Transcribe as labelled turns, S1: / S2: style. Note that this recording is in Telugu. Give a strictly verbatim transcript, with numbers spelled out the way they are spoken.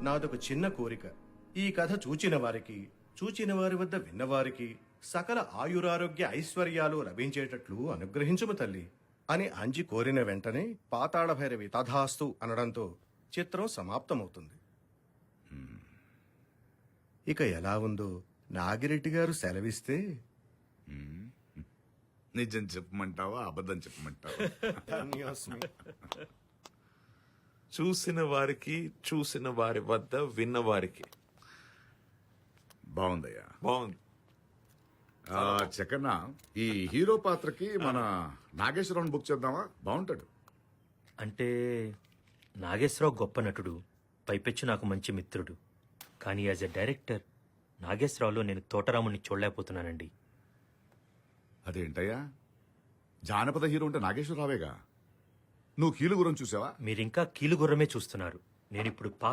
S1: నాదొక చిన్న కోరిక. ఈ కథ చూచిన వారికి, చూచిన వారి వద్ద విన్నవారికి సకల ఆయురారోగ్య ఐశ్వర్యాలు లభించేటట్లు అనుగ్రహించుము తల్లి అని అంజి కోరిన వెంటనే పాతాళ భైరవి తథాస్తు అనడంతో చిత్రం సమాప్తమవుతుంది. ఇక ఎలా ఉందో నాగిరెడ్డి గారు సెలవిస్తే.
S2: నిజం చెప్పమంటావా అబద్ధం చెప్పమంటావా?
S1: ధన్యోస్మి.
S3: చూసిన వారికి, చూసిన వారి వద్ద విన్న వారికి
S2: బాగుందయ్యా.
S3: బాగుంది.
S2: ఆ, చక్కన్న ఈ హీరో పాత్రకి మన నాగేశ్వరరావు బుక్ చేద్దామా? బాగుంటాడు.
S4: అంటే నాగేశ్వరరావు గొప్ప నటుడు, పైపెచ్చు నాకు మంచి మిత్రుడు. కానీ యాజ్ ఎ డైరెక్టర్ నాగేశ్వరరావులో నేను తోటరాముని చూడలేకపోతున్నానండి.
S2: అదేంటయ్యా, జానపద హీరో అంటే నాగేశ్వరరావేగా. నువ్వు కీలు గురించి చూసావా?
S4: మీరింకా కీలుగుర్రమే చూస్తున్నారు. నేనిప్పుడు